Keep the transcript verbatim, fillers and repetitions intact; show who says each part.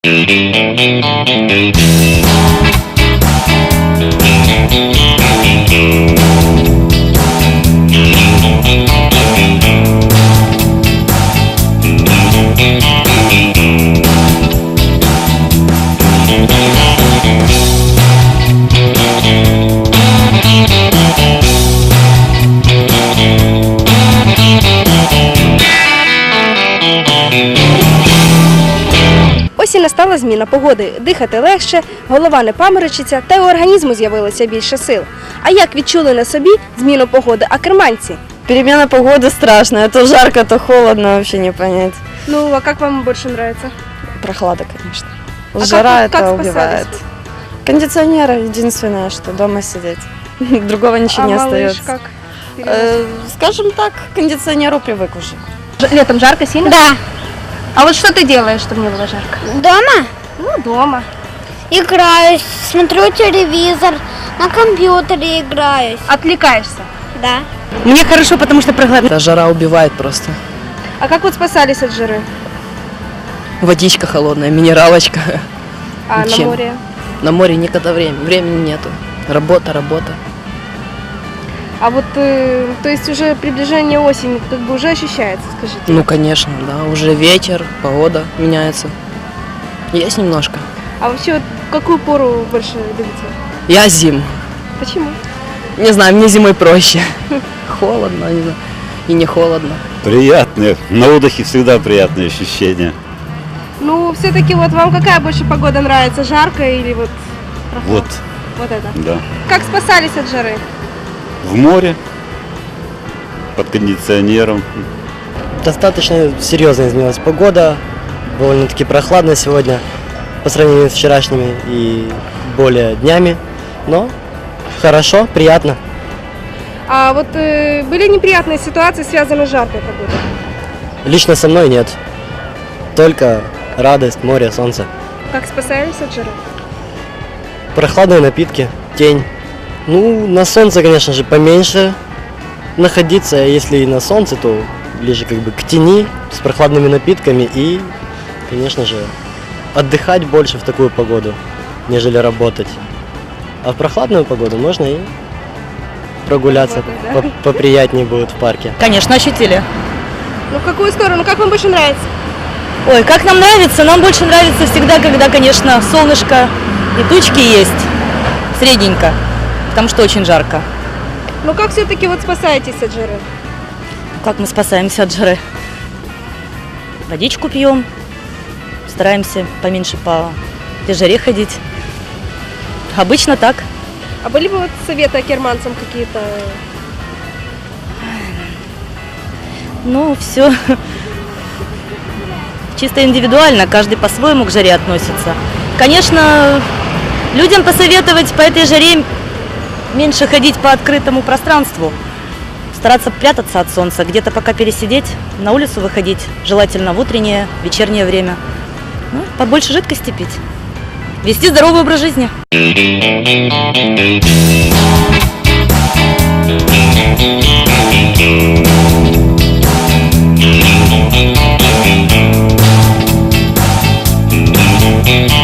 Speaker 1: Ось і настала зміна погоди. Дихати легше, голова не паморочиться, та й у організму з'явилося більше сил. А як відчули на собі зміну погоди акерманці?
Speaker 2: Перемена погоды страшная. То жарко, то холодно, вообще не понять.
Speaker 1: Ну, а як вам більше подобається?
Speaker 2: Прохлада, конечно.
Speaker 1: А
Speaker 2: Жара
Speaker 1: как- как
Speaker 2: это
Speaker 1: спасались
Speaker 2: убивает. Кондиционер единственное, что дома сидеть. Другого ничего
Speaker 1: А
Speaker 2: не
Speaker 1: малыш
Speaker 2: остается.
Speaker 1: как?
Speaker 2: Э, скажем так, к кондиционеру привык уже.
Speaker 1: Ж- Летом жарко сильно?
Speaker 3: Да.
Speaker 1: А вот что ты делаешь, чтобы не было жарко?
Speaker 3: Дома
Speaker 1: Ну, дома.
Speaker 3: играюсь, смотрю телевизор, на компьютере играюсь.
Speaker 1: Отвлекаешься.
Speaker 3: Да.
Speaker 1: Мне хорошо, потому что прохладно.
Speaker 4: Да, жара убивает просто.
Speaker 1: А как вот спасались от жары?
Speaker 4: Водичка холодная, минералочка.
Speaker 1: А
Speaker 4: Чем?
Speaker 1: на море?
Speaker 4: На море никогда времени, времени нету. Работа, работа.
Speaker 1: А вот, э, то есть уже приближение осени как бы уже ощущается, скажите?
Speaker 4: Ну, конечно, да, уже ветер, погода меняется. Есть немножко.
Speaker 1: А вообще вот какую пору больше любите?
Speaker 4: Я зим.
Speaker 1: Почему?
Speaker 4: Не знаю, мне зимой проще. Холодно, не знаю, и не холодно.
Speaker 5: Приятные. На отдыхе всегда приятные ощущения.
Speaker 1: Ну, все-таки вот вам какая больше погода нравится, жарко или вот прохладно?
Speaker 5: Вот,
Speaker 1: Вот это.
Speaker 5: да.
Speaker 1: Как спасались от жары?
Speaker 5: В море, под кондиционером.
Speaker 6: Достаточно серьезно изменилась погода, довольно-таки прохладно сегодня по сравнению с вчерашними и более днями, но хорошо, приятно.
Speaker 1: А вот э, были неприятные ситуации, связанные с жаркой погодой?
Speaker 6: Лично со мной нет, только радость, море, солнце.
Speaker 1: Как спасались от жары?
Speaker 6: Прохладные напитки, тень. Ну, на солнце, конечно же, поменьше находиться, а если и на солнце, то ближе как бы к тени с прохладными напитками и, конечно же, отдыхать больше в такую погоду, нежели работать. А в прохладную погоду можно и прогуляться,
Speaker 1: Работать, да?
Speaker 6: по- поприятнее будет в парке.
Speaker 2: Конечно, ощутили.
Speaker 1: Ну, в какую сторону? Как вам больше нравится?
Speaker 2: Ой, как нам нравится? Нам больше нравится всегда, когда, конечно, солнышко и тучки есть. Средненько. Потому что очень жарко.
Speaker 1: Ну, как все-таки вот спасаетесь от жары?
Speaker 2: Как мы спасаемся от жары? Водичку пьем. Стараемся поменьше по этой жаре ходить. Обычно так.
Speaker 1: А были бы вот советы акерманцам какие-то?
Speaker 2: Ну, все чисто индивидуально, каждый по-своему к жаре относится. Конечно, людям посоветовать по этой жаре меньше ходить по открытому пространству, стараться прятаться от солнца, где-то пока пересидеть, на улицу выходить, желательно в утреннее, вечернее время. Ну, побольше жидкости пить, вести здоровый образ жизни.
Speaker 7: Thank you.